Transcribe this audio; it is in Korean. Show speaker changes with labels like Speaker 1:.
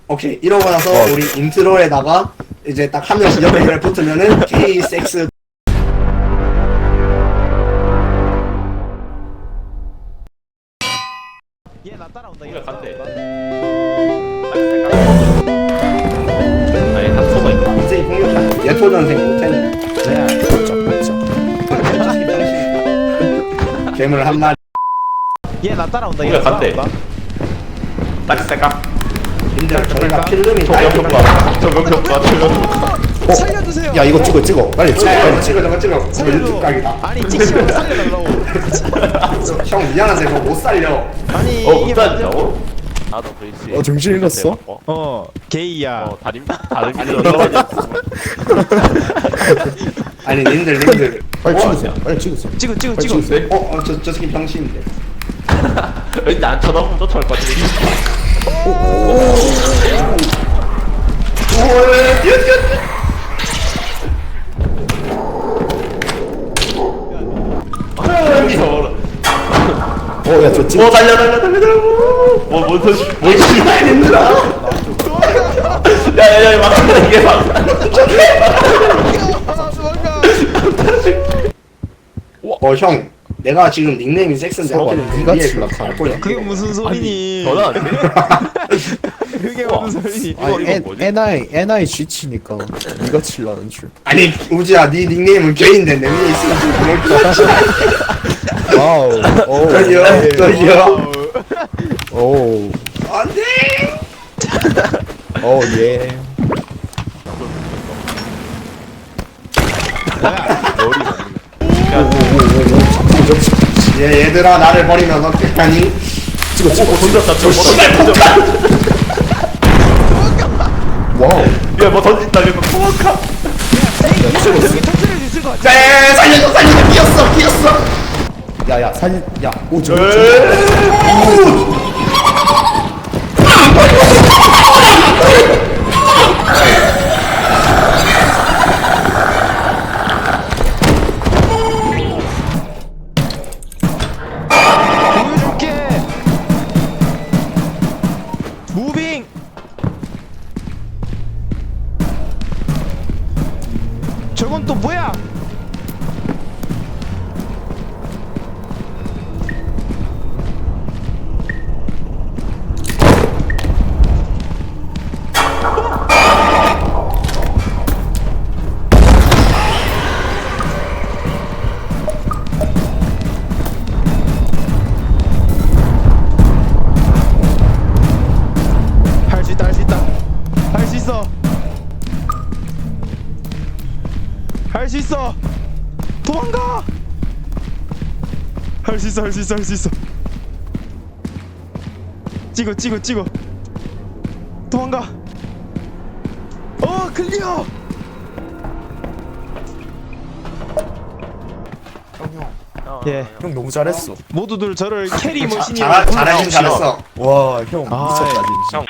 Speaker 1: 오케이 이러고 나서 우리 인트로에다가 이제 딱 한 명씩 옆에 붙으면은 K 섹스
Speaker 2: 얘 나 따라온다.
Speaker 3: 우리가 간대. 아니 닥쳐가 있다.
Speaker 1: 인생이 폭력하는 예초전생 못했네.
Speaker 2: 네.
Speaker 1: 괴물 한 마리.
Speaker 2: 얘 나 따라온다.
Speaker 3: 우리가 간대. 딱 생각.
Speaker 1: 님들 저희가 필름이
Speaker 3: 조명평가. 조명평가.
Speaker 2: 살려주세요.
Speaker 4: 야 이거 찍어 빨리 찍어 빨리 찍어
Speaker 1: 찍어 저거 찍어.
Speaker 2: 살려줘.
Speaker 1: YouTube 각이다.
Speaker 2: 아니 찍지 말고 살려달라고.
Speaker 1: 형 미안한데 그거 못 살려.
Speaker 2: 아니
Speaker 3: 못
Speaker 2: 이게
Speaker 3: 살린다고? 나도 그렇지.
Speaker 4: 정신 잃었어?
Speaker 2: 게이야.
Speaker 3: 다른 길로 넘어가자.
Speaker 1: 아니 님들.
Speaker 4: 빨리 찍으세요 빨리 찍으세요
Speaker 2: 찍어 찍어
Speaker 4: 빨리
Speaker 2: 찍어.
Speaker 4: 찍으세요
Speaker 1: 저 새끼 병신인데.
Speaker 3: 왠지 안 쳐다보면 쫓아올 것 같은데. 무서워.
Speaker 4: 어야 저 찍어
Speaker 3: 달려. 뭔 소리? 뭔 소리? 야야야 막힌다 이게 막.
Speaker 1: 형 내가 지금 닉네임이 섹스인데
Speaker 4: 서로
Speaker 1: 하필
Speaker 4: 네가
Speaker 1: 위에
Speaker 4: 칠라
Speaker 1: 그거
Speaker 4: 카네.
Speaker 1: 갈 거야.
Speaker 2: 그게 무슨 소리니?
Speaker 3: 전화 안 돼?
Speaker 2: 그게 무슨 소리니?
Speaker 3: 이거 뭐지?
Speaker 4: NI G치니까 니가 칠라는 줄
Speaker 1: 아니 우지야 네 닉네임은 게인데 내 위에 있으면 좀 그럴 것 같아.
Speaker 4: 와우
Speaker 1: 저기요.
Speaker 4: 오
Speaker 1: 안돼.
Speaker 4: 예.
Speaker 1: 얘들아 나를 버리면 어떡하니?
Speaker 4: 찍어
Speaker 3: 던졌다.
Speaker 4: 와우
Speaker 3: 야뭐 던진다 이거 포악하.
Speaker 2: 여기 터트릴 수 있을 것 같아.
Speaker 1: 살려줘 끼었어.
Speaker 4: 야야 사진 야 오지
Speaker 2: 보여줄게. 무빙. 저건 또 뭐야? 할 수 있다 할 수 있다 할 수 있어 할 수 있어 도망가 할 수 있어 할 수 있어 할 수 있어 찍어 도망가 클리어 예
Speaker 4: 형 너무 잘했어
Speaker 2: 모두들 저를 캐리 머신이라고
Speaker 1: 잘하긴 잘했어.
Speaker 4: 와형
Speaker 2: 아,
Speaker 4: 미쳤다
Speaker 3: 형